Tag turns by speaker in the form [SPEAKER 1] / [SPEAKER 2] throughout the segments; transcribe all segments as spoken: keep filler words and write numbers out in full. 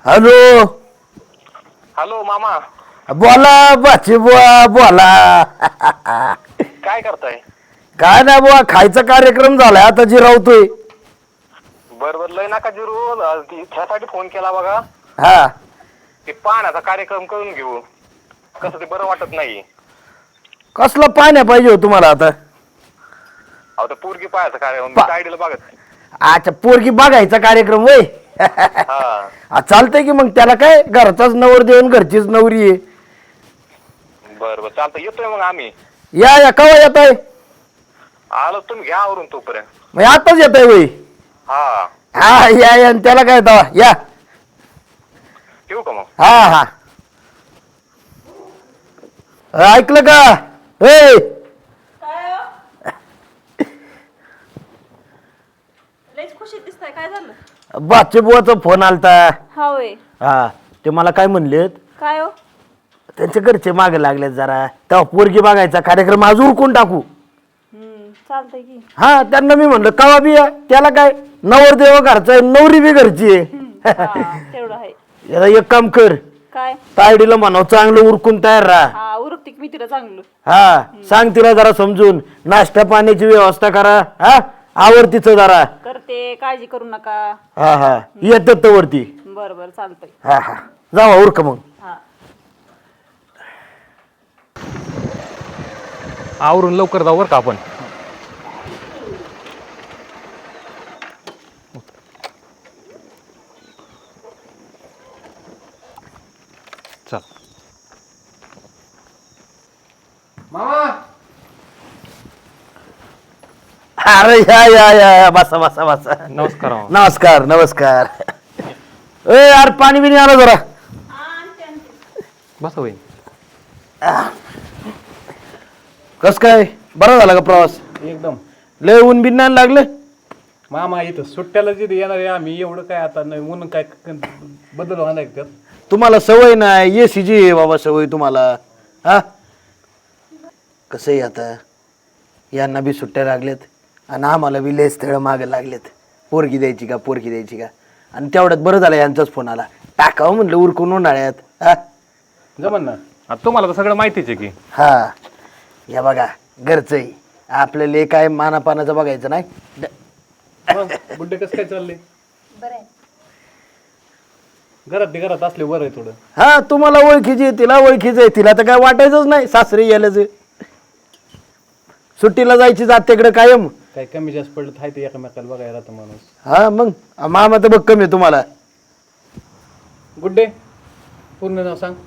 [SPEAKER 1] Hello
[SPEAKER 2] hello मामा.
[SPEAKER 1] बोला बाची बुवा बोला.
[SPEAKER 2] काय करताय?
[SPEAKER 1] काय नाही बुवा, खायचा कार्यक्रम झालाय आता जिरावतोय.
[SPEAKER 2] बर बर लय नका जिरू, ह्यासाठी फोन केला बघा.
[SPEAKER 1] हा
[SPEAKER 2] ते पाण्याचा कार्यक्रम करून घेऊ, कसं ते बरं वाटत नाही.
[SPEAKER 1] कसलं पाण्या पाहिजे हो तुम्हाला आता?
[SPEAKER 2] अहो ते पोरगी पाहायचा कार्यक्रम, मी
[SPEAKER 1] पा
[SPEAKER 2] तायडीला बघत.
[SPEAKER 1] अच्छा पोरगी बघायचा कार्यक्रम होय.
[SPEAKER 2] हा
[SPEAKER 1] चालतंय की मग त्याला काय, घरचाच नवर देऊन घरचीच नवरी आहे.
[SPEAKER 2] बरं बरं चालतं, येतोय मग आम्ही.
[SPEAKER 1] या या कवा येताय?
[SPEAKER 2] आलो तुम्ही घ्या आवरून तोपर्यंत.
[SPEAKER 1] मग आताच येताय होय?
[SPEAKER 2] हा
[SPEAKER 1] हा या या त्याला काय तवा या.
[SPEAKER 2] ठेवू का मग?
[SPEAKER 1] हा हा ऐकलं का ए?
[SPEAKER 3] लयच खुशीत दिसताय, काय झालं?
[SPEAKER 1] बाचे बुवाचा फोन आलता.
[SPEAKER 3] हा होय.
[SPEAKER 1] हा ते मला काय म्हणलेत,
[SPEAKER 3] काय हो?
[SPEAKER 1] त्यांच्या घरचे मागे लागलेत जरा, तेव्हा पोरगी बघायचा कार्यक्रम आज उरकून टाकू.
[SPEAKER 3] हम्म चालतंय की.
[SPEAKER 1] हा त्यांना मी म्हणलं कवा बी या, त्याला काय नवरदेव घरचा आहे, नवरी बी घरची आहे.
[SPEAKER 3] हा तेवढं आहे.
[SPEAKER 1] याला एक काम कर,
[SPEAKER 3] काय?
[SPEAKER 1] तायडीला म्हणाव चांगलं उरकून तयार राहा.
[SPEAKER 3] हा उरकते मी तिला चांगलं.
[SPEAKER 1] हा सांग तिला जरा समजून, नाश्ता पाण्याची व्यवस्था करा. हा आवर तिचं जरा.
[SPEAKER 3] करते, काळजी करू नका.
[SPEAKER 1] हा हा येतात तर वरती.
[SPEAKER 3] बरं बरं चालतंय.
[SPEAKER 1] हा हा जावा उरक मग.
[SPEAKER 3] हा
[SPEAKER 4] आवरून लवकर जाऊ बरं का आपण. चल
[SPEAKER 5] मामा.
[SPEAKER 1] अरे या या या बसा बसा बसा.
[SPEAKER 4] नमस्कार मामा.
[SPEAKER 1] नमस्कार नमस्कार. ए यार पाणी बिनी आलं जरा.
[SPEAKER 4] बस होईल.
[SPEAKER 1] कस काय बरं झाला का प्रवास?
[SPEAKER 5] एकदम
[SPEAKER 1] लय ऊन बिन नाही लागलं?
[SPEAKER 5] मामा इथं सुट्ट्याला जिथे येणार आहे आम्ही, एवढं काय आता नाही म्हणून काय बदल होणार त्यात.
[SPEAKER 1] तुम्हाला सवय नाही, ये सी जी बाबा सवय तुम्हाला. हा कसं आहे आता, यांना बी सुट्ट्या लागल्यात आणि आम्हाला बी लय स्थळ मागे लागलेत. पोरगी द्यायची का पोरगी द्यायची का, आणि तेवढ्यात बरं झालं यांचाच फोन आला. टाकावं म्हणलं उरकून उन्हाळ्यात. हा
[SPEAKER 5] जमन ना.
[SPEAKER 4] आता तुम्हाला तर सगळं माहितीच आहे की.
[SPEAKER 1] हा या बघा घरचं आहे आपल्याला, हे काय मानापानाचं बघायचं नाही.
[SPEAKER 5] बुड्डे कसं काय चालले?
[SPEAKER 3] बरं आहे.
[SPEAKER 5] घरात घरात असले बरं आहे थोडं.
[SPEAKER 1] हा तुम्हाला ओळखीची आहे, तिला ओळखीचं आहे, तिला तर काय वाटायचंच नाही सासरी गेल्याच. सुट्टीला जायची जातेकडे कायम.
[SPEAKER 5] काय कमी जास्त पडलं आहे ते एकमेकाला बघायला राहतं माणूस.
[SPEAKER 1] हा मग मामा तर बघ कमी आहे तुम्हाला.
[SPEAKER 5] गुड्डे पूर्ण नाव सांग.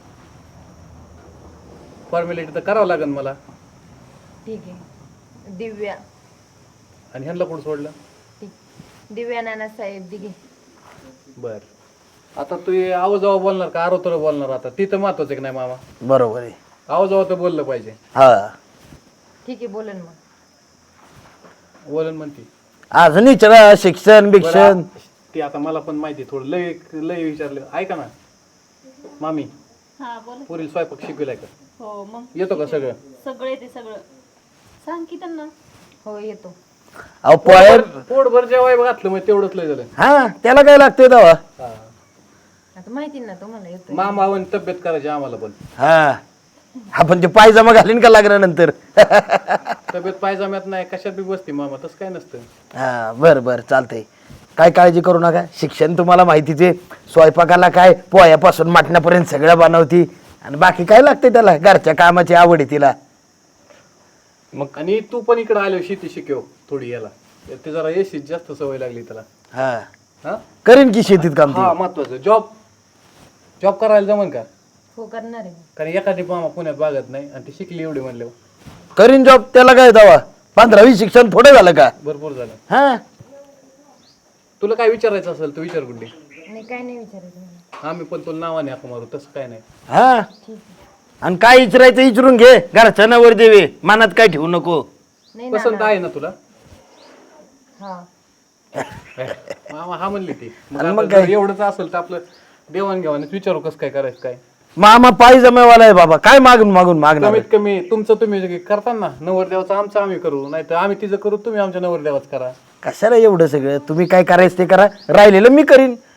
[SPEAKER 5] फॉर्मॅलिटी तर करावं लागेल मला.
[SPEAKER 6] ठीक आहे. दिव्या.
[SPEAKER 5] आणि ह्यांना कोण सोडलं?
[SPEAKER 6] ठीक. दिव्या नानासाहेब दिघे.
[SPEAKER 5] बर. आता तू हे आवाज आवा बोलणार का आरोतर बोलणार? आता ती तर महत्वाचं की नाही मामा?
[SPEAKER 1] बरोबर आहे.
[SPEAKER 5] आवाज आवा तर बोललं पाहिजे.
[SPEAKER 1] हा
[SPEAKER 6] ठीक आहे बोलन मग.
[SPEAKER 5] बोलन म्हणते
[SPEAKER 1] अजून विचारा शिक्षण बिक्षण.
[SPEAKER 5] ते आता मला पण माहिती थोडं लय लय विचारलं. ऐका ना मामी,
[SPEAKER 3] हा बोल.
[SPEAKER 5] पुरील स्वयंपाक शिकविलाय का?
[SPEAKER 3] हो मग
[SPEAKER 5] येतो का सगळं?
[SPEAKER 3] सगळे ते सगळं सांग की त्यांना.
[SPEAKER 6] हो येतो.
[SPEAKER 1] अहो पोयर
[SPEAKER 5] पोटभर जेवाय घातलं मग तेवढंच लय झालं.
[SPEAKER 1] हा त्याला काय लागतंय तेव्हा.
[SPEAKER 5] हा.
[SPEAKER 6] आता माहिती ना तुम्हाला येतो.
[SPEAKER 5] मामा आणि तब्येत करायची आम्हाला पण.
[SPEAKER 1] हा आपण ते पायजमा घालीन का लागल्यानंतर.
[SPEAKER 5] तब्येत पायजाम्यात नाही कशात बी बसते मामा, तसं काय नसतं.
[SPEAKER 1] हा बरं बरं चालतंय. काय काळजी करू नका, शिक्षण तुम्हाला माहितीच आहे. स्वयंपाकाला काय पोह्यापासून मटण्यापर्यंत सगळं बनवती, आणि बाकी काय लागतंय त्याला, घरच्या कामाची आवड आहे तिला.
[SPEAKER 5] मग आणि तू पण इकडे आलो शेती शिकव थोडी याला, ते जरा एसीत जास्त सवय लागली त्याला.
[SPEAKER 1] हा
[SPEAKER 5] हा
[SPEAKER 1] करीन की शेतीत काम ती.
[SPEAKER 5] हा महत्वाचं. जॉब जॉब करायला जमन का?
[SPEAKER 6] हो करणार आहे.
[SPEAKER 5] कारण एखादी मामा पुण्यात बागत नाही आणि ती शिकली एवढी म्हणले
[SPEAKER 1] करीन जॉब, त्याला काय दावा. पंधरावी शिक्षण थोडं झालं का?
[SPEAKER 5] भरपूर झालं.
[SPEAKER 1] हा
[SPEAKER 5] तुला काय विचारायचं असेल तू विचार गुड्डी.
[SPEAKER 6] नाही काय नाही विचारायचं मला.
[SPEAKER 5] आम्ही पण तुला नावाने हाक मारू, तसं काय नाही.
[SPEAKER 1] हा आणि काय विचारायचं विचारून घे, घरच्या नवर देवे मनात काय ठेवू नको.
[SPEAKER 6] नाही ना.
[SPEAKER 5] पसंत आहे ना तुला?
[SPEAKER 6] हा
[SPEAKER 5] मामा हा म्हणली ती. मग
[SPEAKER 1] आणि
[SPEAKER 5] आता
[SPEAKER 1] मग
[SPEAKER 5] जर
[SPEAKER 1] काय?
[SPEAKER 5] एवढंच असेल तर आपलं देवाणघेवाणच विचारू कसं काय करायचं काय.
[SPEAKER 1] मामा पायी जमेवाला आहे बाबा, काय मागून मागून मागणार.
[SPEAKER 5] कमीत कमी तुमचं तुम्ही करता ना, नवरदेवाचं आमचं आम्ही करू, नाही तर आम्ही तिचं करू, तुम्ही आमच्या नवरदेवाच करा.
[SPEAKER 1] कशाला एवढं सगळं, तुम्ही काय करायचं ते करा, राहिलेलं मी करीन.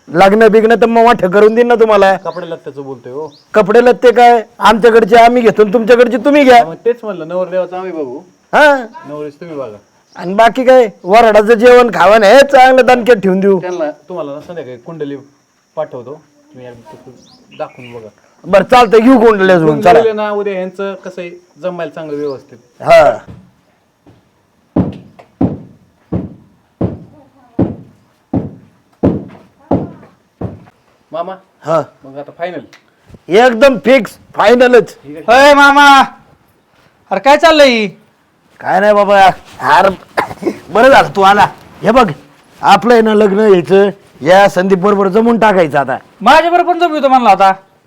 [SPEAKER 1] लग्न बिग्न तर मग मोठं करून देईन ना तुम्हाला.
[SPEAKER 5] कपडे लागत्याचं बोलतोय हो.
[SPEAKER 1] कपडे लत्ते काय आमच्याकडचे आम्ही घेतो आणि तुमच्याकडचे तुम्ही घ्या.
[SPEAKER 5] मग तेच म्हणलं नवरदेवाचं आम्ही बघू,
[SPEAKER 1] हा
[SPEAKER 5] नवरीच तुम्ही बघा.
[SPEAKER 1] आणि बाकी काय वराडाचं जेवण खावं हे चांगलं दणक्यात ठेवून देऊ.
[SPEAKER 5] त्यांना तुम्हाला ना संध्याकाळी कुंडली पाठवतो, तुम्ही एकदा तिथून दाखवून बघा.
[SPEAKER 1] बरं चालतंय घेऊ कोंडले अजून चला.
[SPEAKER 5] कुंडलीला ना उद्या ह्यांचं कसं आहे जमायला चांगलं व्यवस्थित.
[SPEAKER 1] हा
[SPEAKER 5] मामा
[SPEAKER 1] हा
[SPEAKER 5] मग आता फायनल
[SPEAKER 1] एकदम फिक्स फायनलच.
[SPEAKER 7] अय मामा, अरे काय चाललंय?
[SPEAKER 1] काय नाही बाबा यार बरं झालं तू आला. हे बघ आपलं आहे ना लग्न यायचं या संदीप बरोबर जमून टाकायचं आता.
[SPEAKER 7] माझ्या बरोबर पण जमवितो म्हणला होता.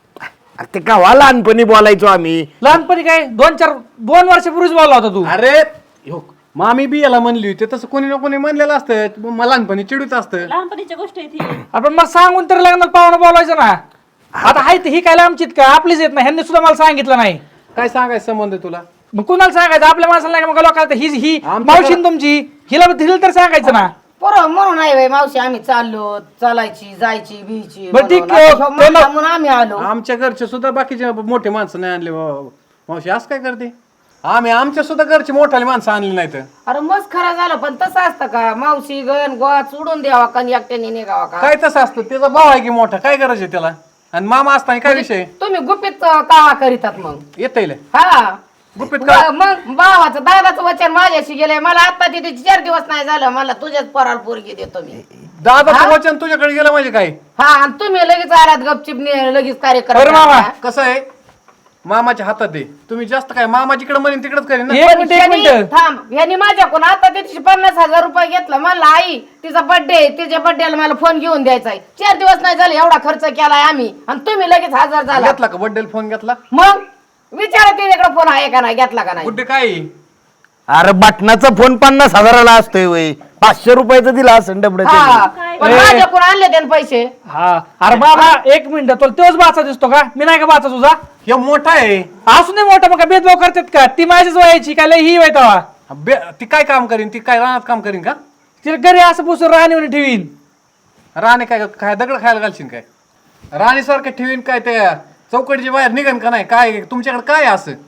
[SPEAKER 1] अरे ते का लहानपणी बोलायचो आम्ही.
[SPEAKER 7] लहानपणी काय दोन चार दोन वर्षापूर्वीच बोलला होता तू.
[SPEAKER 5] अरे हो, मामी बी याला म्हणली होती तसं कोणी ना कोणी म्हणलेलं असतं, मला लहानपणी चिडूच असतं.
[SPEAKER 3] लहानपणीच्या गोष्टी आहेत ही.
[SPEAKER 7] आपण मला सांगून तरी लग्नात पाहुणं बोलायचं ना. आता हाय ही काय आमचीत का आपलीच येत नाही, ह्यांनी सुद्धा मला सांगितलं नाही.
[SPEAKER 5] काय सांगायचं संबंध आहे तुला?
[SPEAKER 7] मग कुणाला सांगायचं? आपल्या माणसाला नाही का मग लोकांना ही ही
[SPEAKER 5] आमच्या
[SPEAKER 7] मावशी ना तुमची हिला दिलं तर सांगायचं ना.
[SPEAKER 8] पोरं म्हणून आहे बाई मावशी आम्ही चाललो चालायची जायची बियची
[SPEAKER 7] बरं ठीक
[SPEAKER 8] म्हणून.
[SPEAKER 7] आहे.
[SPEAKER 8] आता ह्यो म्हणला म्हणून आम्ही आलो.
[SPEAKER 5] आमच्या घरचे सुद्धा बाकीचे मोठे माणसं नाही आणले मा- मावशी असं काय करते? आम्ही आमच्या सुद्धा घरचे मोठाले माणसं आणली नाहीत.
[SPEAKER 8] अरे मस्त खरा झालं पण तसं असतं का मावशी गण गोवा सोडून द्यावा का आणि एकट्याने निघावा का?
[SPEAKER 5] काय तसं असतं? त्याचा भाव आहे की मोठा, काय गरज आहे त्याला? आणि मामा असताना काय विषय?
[SPEAKER 8] तुम्ही गुपित का करीतात मग?
[SPEAKER 5] येता येईल
[SPEAKER 8] हा
[SPEAKER 5] गुपित का?
[SPEAKER 8] मग मग भावाचं दादाचं वचन माझ्याशी गेलंय. मला आता तिथे चार दिवस नाही झालं, मला तुझ्याच पोराला पोरगी देतो मी.
[SPEAKER 5] दादाचं वचन तुझ्याकडे गेलं म्हणजे काय?
[SPEAKER 8] हा आणि तुम्ही लगेच आलात गपचिप ने- लगेच कार्यक्रम
[SPEAKER 7] बरं मामा.
[SPEAKER 8] करा.
[SPEAKER 5] कसं आहे मामाच्या हातात आहे. तुम्ही जास्त काय मामाजीकडे म्हणेन तिकडेच करेन ना.
[SPEAKER 7] एक मिनिट एक
[SPEAKER 8] यांनी-
[SPEAKER 7] मिनिट
[SPEAKER 8] थांब यांनी माझ्याकडून आता तिथे पन्नास हजार रुपये घेतलं. म्हणलं आई तिचा बर्थडे तिच्या बर्थडेला मला फोन घेऊन द्यायचा आहे. चार दिवस नाही झाले एवढा खर्च केलाय आम्ही आणि तुम्ही लगेच हजार झाला.
[SPEAKER 5] घेतला का बड्डेला फोन घेतला?
[SPEAKER 8] मग विचारा तिच्याकडे फोन आहे का नाही, घेतला का नाही?
[SPEAKER 5] गुड्डे काय आहे?
[SPEAKER 1] अरे बटनाचा फोन पन्नास हजाराला असतोय वय पाचशे रुपयाचा दिला असं डबड्याचा.
[SPEAKER 8] हा पण माझ्याकडून आणले त्याने पैसे.
[SPEAKER 7] हा अरे बाबा एक मिनिट तुला तोच बाचा दिसतो का? मी नाही का बाचा तुझा?
[SPEAKER 5] हे मोठा आहे.
[SPEAKER 7] असू नाही मोठा मग काय भेदभाव करतात का? ती माझ्याच वयाची काय लय ही वयतावा.
[SPEAKER 5] बे- ती काय काम करीन? ती काय रानात काम करीन का?
[SPEAKER 7] तिला घरी असं पुसून राहणी ठेवीन.
[SPEAKER 5] राणे काय काय दगड खायला घालशील काय? राणी सारखं ठेवीन काय त्या चौकटीच्या बाहेर निघन का नाही? काय तुमच्याकडे काय आहे असं?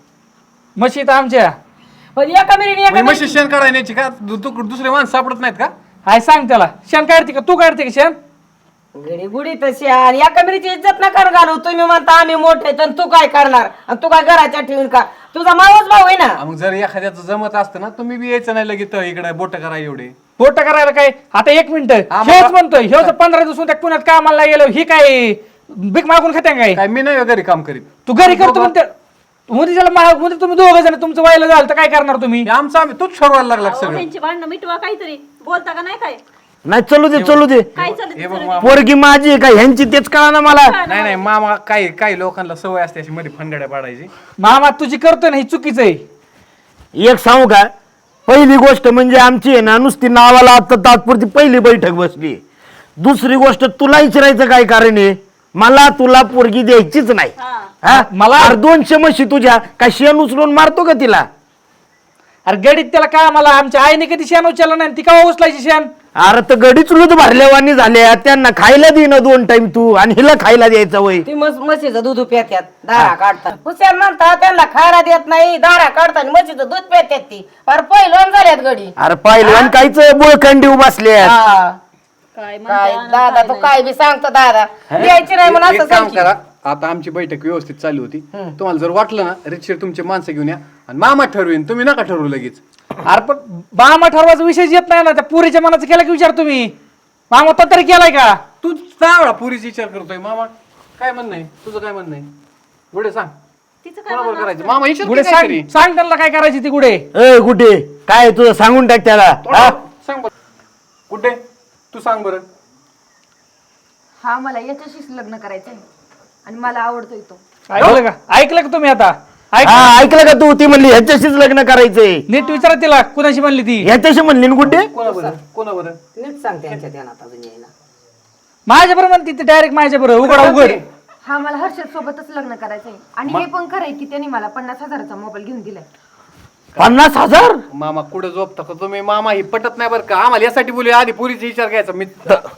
[SPEAKER 7] मशीद आमच्या
[SPEAKER 8] पण एका मिनिट एका
[SPEAKER 5] म्हशी शेण काढायला न्यायची का? दु- दु- दुसरे माणसं सापडत नाहीत का?
[SPEAKER 7] हाय सांग त्याला शेण काढते का? तू काढते का शेण?
[SPEAKER 8] गडी गुडी तशी आणि एका मिनिटची इज्जत नका घालू. तुम्ही म्हणता आम्ही मोठे तर तू काय करणार आणि तू काय घराच्या ठेवून का? तुझा मावस भाऊ आहे ना.
[SPEAKER 5] मग जर एखाद्याचं जमत असतं ना तुम्ही बी यायचं नाही लगेच इकडे बोट करा एवढे.
[SPEAKER 7] बोट करायला काय? आता एक मिनिट
[SPEAKER 5] आम्हाला-
[SPEAKER 7] हेच म्हणतोय ह्यो जर पंधरा दिवस त्या पुण्यात कामाला गेलो ही काय भीक मागून खाते काय?
[SPEAKER 5] काय मी नाही घरी काम करीत.
[SPEAKER 7] तू घरी करतो म्हणते मध्ये त्याला मा- मध्ये तुम्ही दोघं जण तुमचं व्हायला झालं तर काय करणार तुम्ही?
[SPEAKER 5] हे आमचं आम्ही तूच ठरवायला लागला
[SPEAKER 3] अहो,
[SPEAKER 5] सगळं.
[SPEAKER 3] त्यांची भांडणं मिटवा काहीतरी. बोलता का नाही काय?
[SPEAKER 1] नाही चलू दे चलू दे.
[SPEAKER 3] काय चालत
[SPEAKER 5] हे बघ मामा.
[SPEAKER 1] पोरगी माझी आहे का ह्यांची तेच कळा ना मला.
[SPEAKER 5] नाही नाही मामा काय काही लोकांना सवय असते अशी मध्ये फंडाड्या पाडायची.
[SPEAKER 7] मामा तुझी करतोय ना ही चुकीचं आहे.
[SPEAKER 1] एक सांगू का पहिली गोष्ट म्हणजे आमची आहे ना नुसती नावाला आता तात्पुरती पहिली बैठक बसली. दुसरी गोष्ट तुला विचारायचं काय कारण आहे? मला तुला पोरगी द्यायचीच नाही. हा?
[SPEAKER 7] मला-
[SPEAKER 1] अरे दोनशे म्हशी तुझ्या काय शेण उचलून मारतो का तिला?
[SPEAKER 7] अरे गडीत त्याला काय मला आमच्या आईने कधी शेण उचललं नाही ती का उचलायची शेण?
[SPEAKER 1] अरे तर गडीच लूत भरल्यावानी झाल्या त्यांना खायला दे ना दोन टाइम तू आणि हिला खायला द्यायचा वय.
[SPEAKER 8] ती मस म्हशीचं दूध पेत्यात दारा काढतात. हुशार म्हणतात त्यांना खायला देत नाही दारा काढतात म्हशीचं दूध पेत्यात ती पर पहिलं झाल्यात गडी.
[SPEAKER 1] अरे पहिलवान काहीच बोळखंडी बसले.
[SPEAKER 8] हा
[SPEAKER 3] काय
[SPEAKER 8] काय
[SPEAKER 3] म्हणता?
[SPEAKER 8] दादा तू काय बी सांगतो दादा द्यायची नाही म्हणून
[SPEAKER 5] एक
[SPEAKER 8] असं
[SPEAKER 5] काम
[SPEAKER 8] सांगते.
[SPEAKER 5] करा आता आमची बैठक व्यवस्थित चालू होती. तुम्हाला जर वाटलं ना रितशीर तुमचे माणसं घेऊन या आणि मामा ठरवेन. तुम्ही नका ठरवू लगेच.
[SPEAKER 7] अरे पण मामा ठरवायचा विषय येत नाही ना. त्या पुरीच्या मनाचं केला की विचार तुम्ही? मामा तो तरी केलाय का?
[SPEAKER 5] तू चावळा पुरीचा विचार करतोय. मामा काय म्हणणं आहे तुझं? काय म्हणणं आहे गुडे सांग.
[SPEAKER 3] तिचं काय
[SPEAKER 5] कोणाबरोबर करायचं? मामा विचार
[SPEAKER 7] गुढे
[SPEAKER 5] की काहीतरी.
[SPEAKER 7] सांग सांग त्यांना काय करायची ती गुढे.
[SPEAKER 1] ए कुठे काय तुझं सांगून टाक त्याला. हा?
[SPEAKER 5] थोडं सांग बरं. गुड्डे तू सांग बरं.
[SPEAKER 6] हा मला याच्याशीच लग्न करायचंय आणि मला आवडतोय तो.
[SPEAKER 7] ऐकलं का? ऐकलं का तुम्ही आता? ऐक
[SPEAKER 1] हा ऐकलं का तू? ती म्हणली ह्याच्याशीच लग्न करायचंय.
[SPEAKER 7] नीट विचारा तिला कुणाशी म्हणली ती.
[SPEAKER 1] ह्याच्याशी म्हणली ना कुठे?
[SPEAKER 5] कोणा बरं कोणा बरं
[SPEAKER 8] नीट सांग त्यांच्या ध्यानात अजून यायला.
[SPEAKER 7] माझ्या बरोबर म्हणते ती डायरेक्ट माझ्या बरोबर उघड उघड.
[SPEAKER 6] हा मला हर्षद सोबतच लग्न करायचंय आणि हे पण खरंय की त्यांनी मला पन्नास हजाराचा मोबाईल घेऊन दिलाय.
[SPEAKER 1] पन्नास हजार?
[SPEAKER 5] मामा कुठं झोपता का तुम्ही? मामा ही पटत नाही बरं का? आम्हाला यासाठी बोलू आधी पुरीचा विचार घ्यायचा. मी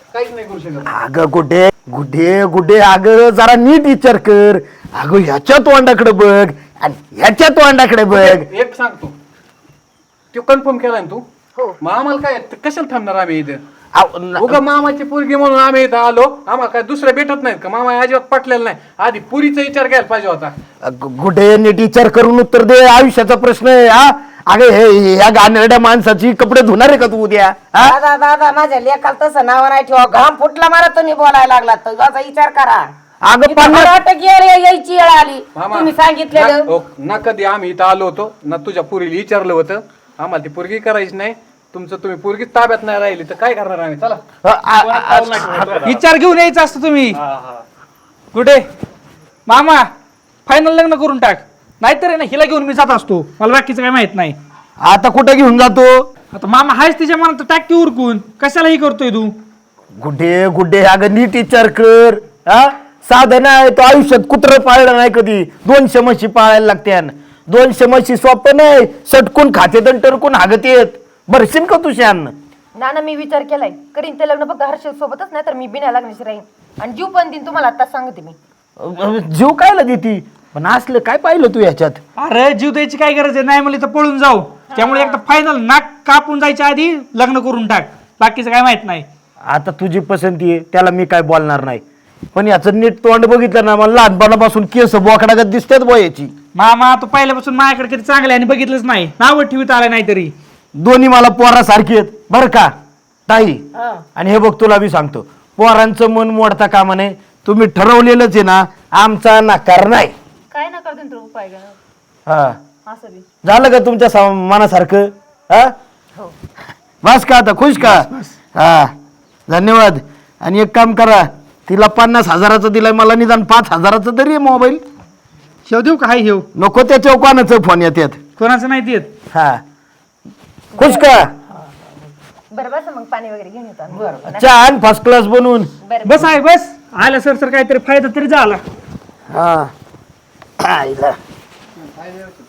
[SPEAKER 5] काहीच नाही करू शकत.
[SPEAKER 1] अगं कुठे कुठे कुठे अगं जरा नीट विचार कर. अगं ह्याच्या तोंडाकडे बघ आणि ह्याच्या तोंडाकडे बघ.
[SPEAKER 5] एक सांगतो, तो कन्फर्म केलाय ना तू?
[SPEAKER 6] हो.
[SPEAKER 5] मग आम्हाला काय कशाला थांबणार आम्ही इथं?
[SPEAKER 1] अहो, न-
[SPEAKER 5] उगा मामाची पोरगी म्हणून आम्ही इथं आलो, आम्हाला काय दुसऱ्या भेटत नाहीत का? मामा अजिबात पटलेला नाही. आधी पुरीचा विचार घ्यायला पाहिजे होता.
[SPEAKER 1] अगं, कुठे नीट विचार करून उत्तर दे. आयुष्याचा प्रश्न आहे हा. अगं हे या गाणरड्या माणसाची कपडे धुणार आहे का तू उद्या हा?
[SPEAKER 8] दादा दादा माझ्या लेखाला तसं नाव नाही ठेवा. घाम फुटला मला तुम्ही बोलायला लागला तर याचा विचार करा.
[SPEAKER 1] अगं
[SPEAKER 8] इथं
[SPEAKER 1] पन्नास
[SPEAKER 8] मला वाटतं की अरे यायची वेळ आली
[SPEAKER 5] मामा,
[SPEAKER 8] तुम्ही सांगितलेलं.
[SPEAKER 5] ना- हो, ना कधी आम्ही इथं आलो होतो ना तुझ्या पुरीला विचारलं होतं. आम्हाला ती पोरगी करायची नाही. तुमचं तुम्ही पोरगी ताब्यात नाही राहिली तर काय करणार आम्ही? चला.
[SPEAKER 1] अ- आ- आ-
[SPEAKER 7] विचार घेऊन यायचं असतं तुम्ही. कुठे मामा फायनल लग्न करून टाक, नाहीतर आहे ना हिला घेऊन मी जात असतो. मला बाकीचं काय माहित नाही.
[SPEAKER 1] आता कुठे घेऊन जातो?
[SPEAKER 7] आता मामा हायच तिच्या मनात टाक की उरकून. कशाला ही करतोय तू?
[SPEAKER 1] गुड्डे गुड्डे अगं नीट विचार कर हा. साधं नाही तो आयुष्यात कुत्र पाळलं नाही कधी. दोनशे म्हशी पाळायला लागत्यान. दोनशे म्हशी सोपं नाही. सटकून खातेत आणि टरकून हागत येत. भरशील का तू शान?
[SPEAKER 6] ना ना मी विचार केलाय, करीन ते लग्न फक्त हर्षद सोबतच, नाही तर मी बिना लग्नाची राहीन आणि जीव पण देईन. तुम्हाला आता सांगते मी.
[SPEAKER 1] अ- जीव कायला देती पण असलं काय पाहिलं तू याच्यात?
[SPEAKER 7] अरे जीव द्यायची काय गरज आहे? नाही म्हणली तर पळून जाऊ. त्यामुळे एकदा फायनल नाक कापून जायच्या आधी लग्न करून टाक. बाकीचं काय माहित नाही.
[SPEAKER 1] आता तुझी पसंती आहे त्याला मी काय बोलणार नाही. पण याचं नीट तोंड बघितलं ना मला लहानपणापासून केस बोकडागत दिसतात बो याची.
[SPEAKER 7] मामा तू पहिल्यापासून माझ्याकडे कधी चांगले आणि बघितलंच नाही. नाव ठेवीत आलं नाही तरी.
[SPEAKER 1] दोन्ही मला पोरासारखी आहेत बरं का ताई. आणि हे बघ तुला मी सांगतो, पोरांचं मन मोडता कामा नये. तुम्ही ठरवलेलंच आहे ना, आमचा नकार नाही.
[SPEAKER 3] काय नका देऊन तुला उपाय करा.
[SPEAKER 1] हा
[SPEAKER 3] असं बी
[SPEAKER 1] झालं का तुमच्या सा- मनासारखं हा? बस का आता खुश का? हा धन्यवाद. आणि एक काम करा, तिला पन्नास हजाराचं दिलाय, मला निदान पाच हजाराचं तरी मोबाईल
[SPEAKER 7] शेव देऊ का? हाय हेव
[SPEAKER 1] नको. त्याच्या कोणाचं फोन येतात
[SPEAKER 7] कोणाचं नाही देत.
[SPEAKER 1] हा खुश का?
[SPEAKER 6] बरं बस मग पाणी वगैरे घेऊन येतो आम्ही.
[SPEAKER 1] चहा आण फर्स्ट क्लास बनवून.
[SPEAKER 7] बस आहे बस. आला सर सर काहीतरी फायदा तरी झाला.
[SPEAKER 1] हा आईला.